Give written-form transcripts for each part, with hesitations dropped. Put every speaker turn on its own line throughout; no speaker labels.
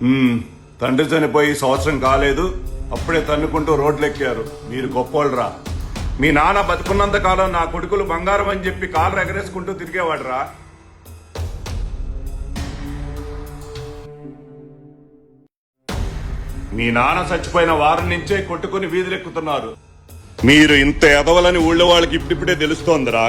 తండ్రి చనిపోయి సంవత్సరం కాలేదు, అప్పుడే తన్నుకుంటూ రోడ్లెక్కారు. మీరు గొప్పోళ్ళరా. మీ నాన్న బతుకున్నంత కాలం నా కొడుకులు బంగారం అని చెప్పి కాళ్ళు ఎగరేసుకుంటూ తిరిగేవాడురా. మీ నాన్న చచ్చిపోయిన వారం నుంచే కొట్టుకుని వీధులెక్కుతున్నారు. మీరు ఇంత ఎదవలని ఊళ్ళో వాళ్ళకి ఇప్పుడిప్పుడే తెలుస్తోందిరా.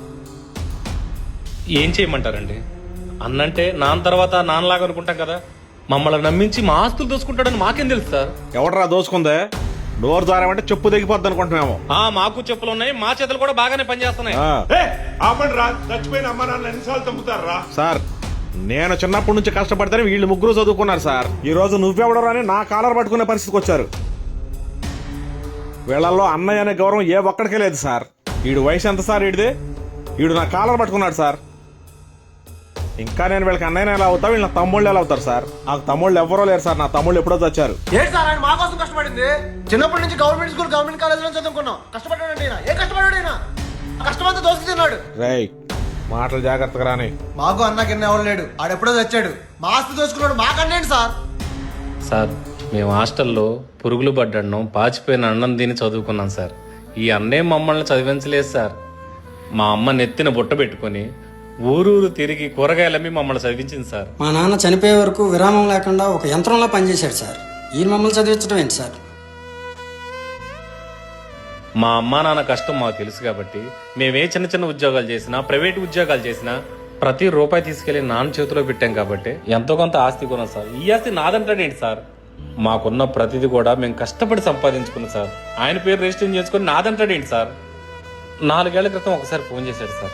ఏం చేయమంటారండి? అన్నంటే నాన్న తర్వాత నాన్నలాగా అనుకుంటాం కదా. మమ్మల్ని నమ్మించి మా ఆస్తులు దోసుకుంటాడని మాకేం తెలుసు సార్?
ఎవడరా దోసుకుందే? డోర్ జారామంటే చెప్పు దిగిపోద్ది అనుకుంటున్నాము.
మాకు చెప్పులు ఉన్నాయి, మా చేతులు కూడా బాగానే పనిచేస్తున్నాయి.
చచ్చిపోయిన అమ్మ నాన్న ఎన్నిసార్లు చంపుతారా
సార్, నేను చిన్నప్పటి నుంచి కష్టపడితేనే వీళ్ళు ముగ్గురు చదువుకున్నారు సార్. ఈ రోజు నువ్వెవడరా అని నా కాలర్ పట్టుకునే పరిస్థితికి వచ్చారు. వీళ్ళల్లో అన్నయ్య అనే గౌరవం ఏ ఒక్కడికే లేదు సార్. వీడు వయసు ఎంత సార్? వీడు నా కాలర్ పట్టుకున్నాడు సార్. ఇంకా నేను వీళ్ళకి అన్నయ్య ఎలా అవుతా, వీళ్ళ తమ్ముళ్ళు ఎలా అవుతారు సార్? నాకు తమ్ముళ్ళు ఎవరో లేరు సార్. నా తమ్ముళ్ళు ఎప్పుడో వచ్చారు.
ఏంటి సార్ ఆయన మా కోసం కష్టపడింది? చిన్నప్పటి నుంచి గవర్నమెంట్ స్కూల్, గవర్నమెంట్ కాలేజ్ లో చదువుకున్నాం. కష్టపడ్డాడు. ఏ కష్టపడ్డాడు? కష్టమంతా దోసుకు తిన్నాడు.
రేయ్, మాటలు జాగ్రత్తగా రాని.
మాకు అన్న కింద ఎవరు లేడు, ఆడెప్పుడో తెచ్చాడు. మా ఆస్తి దోసుకున్నాడు. మాకన్నేంటి సార్?
సార్, మేము హాస్టల్లో పురుగులు పడ్డాను, పాచిపోయిన అన్నం తిని చదువుకున్నాం సార్. ఈ అన్నే మమ్మల్ని చదివించలేదు సార్. మా అమ్మ నెత్తిన బుట్ట పెట్టుకుని ఊరూరు తిరిగి కూరగాయలమ్మి మమ్మల్ని చదివించింది సార్.
మా నాన్న చనిపోయే వరకు విరామం లేకుండా ఒక యంత్రంలో పనిచేశాడు సార్. ఈయన మమ్మల్ని చదివించడం ఏంటి సార్?
మా అమ్మా నాన్న కష్టం మాకు తెలుసు కాబట్టి మేమే చిన్న చిన్న ఉద్యోగాలు చేసినా, ప్రైవేట్ ఉద్యోగాలు చేసినా ప్రతి రూపాయి తీసుకెళ్లి నాన్న చేతిలో పెట్టాం కాబట్టి ఎంతో కొంత ఆస్తి కొన్నాం సార్. ఈ ఆస్తి నాదంటాడేంటి సార్? మాకున్న ప్రతిదీ కూడా మేము కష్టపడి సంపాదించుకున్నాం సార్. ఆయన పేరు రిజిస్టర్ చేసుకుని నాదంటాడేంటి సార్? 4 ఏళ్ల క్రితం ఒకసారి ఫోన్ చేశాడు సార్.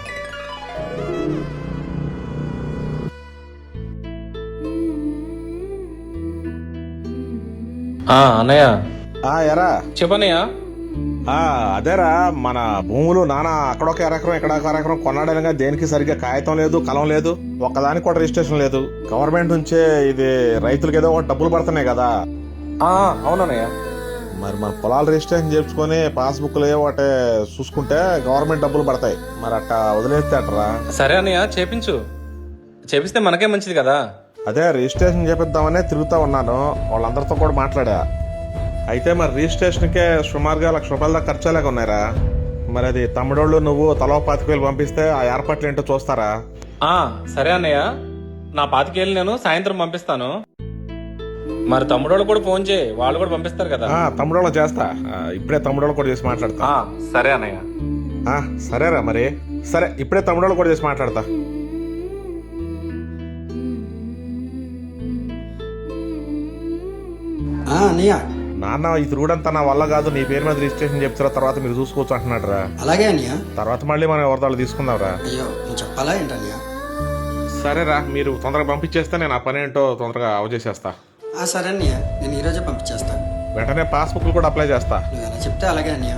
అన్నయ్య.
ఎరా
చెప్పనయ్యా.
అదేరా, మన భూములు నాన్న అక్కడొక ఎకరం ఇక్కడ ఒక ఎకరం కొన్నాడనగా దేనికి సరిగ్గా కాగితం లేదు, కలం లేదు, ఒక్కదానికి కూడా రిజిస్ట్రేషన్ లేదు. గవర్నమెంట్ నుంచే ఇది రైతులకి ఏదో డబ్బులు పడుతున్నాయి కదా.
అవునన్నయ్య.
మరి మన పొలాలు రిజిస్ట్రేషన్ చేసుకుని పాస్బుక్లు ఒకటే చూసుకుంటే గవర్నమెంట్ డబ్బులు పడతాయి. మరి అట్టా వదిలేస్తే అట్టరా?
సరే అన్నయ్య, చేపిస్తే మనకే మంచిది కదా.
అదే రిజిస్ట్రేషన్ చేపిద్దామనే తిరుగుతా ఉన్నాను. వాళ్ళందరితో కూడా మాట్లాడా. అయితే మరి రిజిస్ట్రేషన్కే సుమారుగా ₹1,00,000 దాకా ఖర్చులాగా ఉన్నాయిరా. మరి అది తమ్ముడోళ్ళు నువ్వు తలో 25,000 పంపిస్తే ఆ ఏర్పాట్లు ఏంటో చూస్తారా?
సరే అన్నయ్య, నా 25,000 నేను సాయంత్రం పంపిస్తాను. మరి తమ్ముడోళ్ళు కూడా ఫోన్ చేయి, వాళ్ళు కూడా పంపిస్తారు కదా.
తమ్ముడోళ్ళు చేస్తా. ఇప్పుడే తమ్ముడోళ్ళు కూడా చేసి మాట్లాడతా.
సరే అన్నయ్య.
సరేరా మరి. సరే, ఇప్పుడే తమ్ముడోళ్ళు కూడా చేసి మాట్లాడతా.
అన్నయ్య,
నాన్న ఈ తిరుగుడంతా నా వల్ల కాదు, నీ పేరు మీద రిజిస్ట్రేషన్ చెప్తారా, తర్వాత మీరు చూసుకోవచ్చు అంటున్నాడు రా.
అలాగే అన్నయ్య.
తర్వాత మళ్ళీ మనం ఎవరిదాళ్ళు తీసుకుందాం రా.
అయ్యో, నువ్వు చెప్పాలా ఏంటన్నయ్య?
సరేరా, మీరు తొందరగా పంపించేస్తే నేను ఆ పని ఏంటో తొందరగా అవచేసేస్తా.
సరే అన్నయ్య, నేను ఈరోజే పంపించేస్తా.
వెంటనే పాస్బుక్లు కూడా అప్లై చేస్తా.
నువ్వు ఎలా చెప్తే అలాగే అన్నయ్య.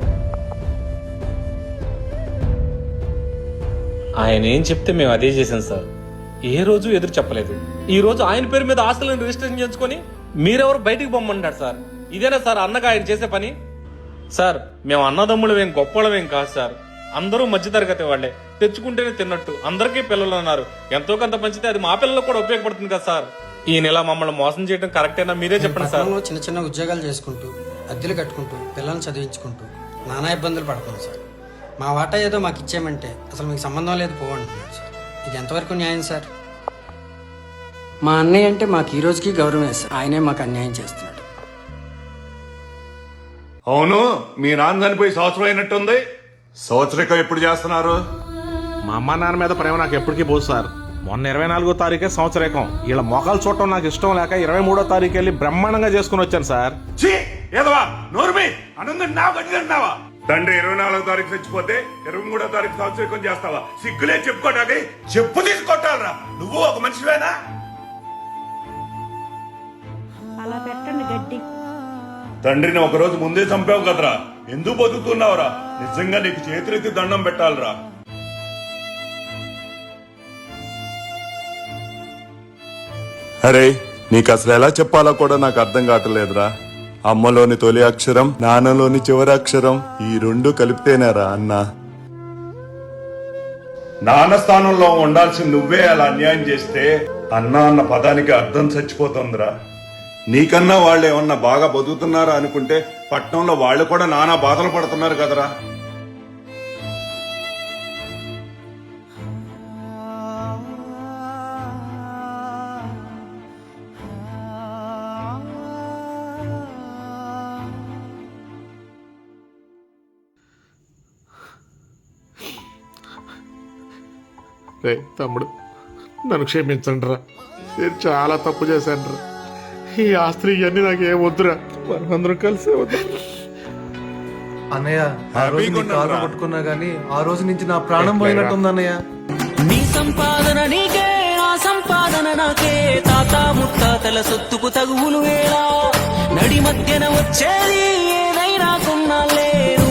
ఆయన ఏం చెప్తే మేము అదే చేసాం సార్. ఏ రోజు ఎదురు చెప్పలేదు. ఈ రోజు ఆయన పేరు మీద ఆస్తులను రిజిస్ట్రేషన్ చేసుకుని మీరెవరు బయటికి పొమ్మంటారు సార్? ఇదేనా సార్ అన్నగా ఆయన చేసే పని? సార్, మేము అన్నదమ్ములమేం గొప్పలమేం కాదు సార్. అందరూ మధ్యతరగతి వాళ్లే, తెచ్చుకుంటేనే తిన్నట్టు. అందరికీ పిల్లలు అన్నారు. ఎంతో కొంత పంచితే అది మా పిల్లలకు కూడా ఉపయోగపడుతుంది కదా సార్. ఈ నెల మమ్మల్ని మోసం చేయడం కరెక్టేనా? మీరే చెప్పండి సార్.
చిన్న చిన్న ఉద్యోగాలు చేసుకుంటూ, అద్దెలు కట్టుకుంటూ, పిల్లల్ని చదివించుకుంటూ నానా ఇబ్బందులు పడుతున్నాం సార్. మా వాటా ఏదో మాకు ఇచ్చేయమంటే అసలు మీకు సంబంధం లేదు పోవంటున్నాడు సార్. ఇది ఎంతవరకు న్యాయం సార్? మా అన్నయ్య అంటే మాకు ఈ రోజుకి గౌరవం సార్. ఆయనే మాకు అన్యాయం చేస్తున్నాడు.
అవును, మీ నాన్న చనిపోయి సంవత్సరం అయినట్టుంది. సంవత్సరికం ఎప్పుడు చేస్తున్నారు?
మా అమ్మ నాన్న మీద ప్రేమ నాకు ఎప్పటికీ పోదు సార్. మొన్న 24వ తారీఖే సంవత్సరేకం. వీళ్ళ మొఖాలు చూడటం నాకు ఇష్టం లేక 23వ తారీఖు వెళ్ళి బ్రహ్మాండంగా చేసుకుని వచ్చాను సార్.
తండ్రి 24వ తారీఖు చచ్చిపోతే 23వ తారీఖు సంవత్సరికం చేస్తావా? సిగ్గులే చెప్పుకోటానికి చెప్పు తీసుకొట్టాలరా. నువ్వు ఒక మనిషివేనా?
అలా పెట్టండి గడ్డి.
తండ్రిని ఒకరోజు ముందే చంపావు కదరా. ఎందుకు బతుకుతున్నావురా? నిజంగా నీకు చేతులెత్తి దండం పెట్టాలరా. అరే, నీకు అసలు ఎలా చెప్పాలో కూడా నాకు అర్థం కావట్లేదురా. అమ్మలోని తొలి అక్షరం, నాన్నలోని చివరి అక్షరం, ఈ రెండు కలిపితేనేరా అన్న. నాన్న స్థానంలో ఉండాల్సి నువ్వే అలా అన్యాయం చేస్తే అన్న అన్న పదానికి అర్థం చచ్చిపోతుందిరా. నీకన్నా వాళ్ళు ఏమన్నా బాగా బతుకుతున్నారా అనుకుంటే పట్నంలో వాళ్ళు కూడా నానా బాధలు పడుతున్నారు కదరా.
రే తమ్ముడు, నన్ను క్షమించండి రా. నేను చాలా తప్పు చేశాను రా. ఈ ఆస్తి ఇవన్నీ నాకు ఏం వద్దురా. మనం అందరం కలిసే వద్దు.
అన్నయ్య ఆ రోజు నీ కారు పట్టుకున్నా గానీ ఆ రోజు నుంచి నా ప్రాణం పోయినట్టుంది అన్నయ్య.
నీ సంపాదన నీకే, ఆ సంపాదన నాకే, తాత ముత్తాతల సొత్తుకు తగువులు వేళ, నడి మధ్యన వచ్చేది ఏదైనా కొన్నాళ్ళే.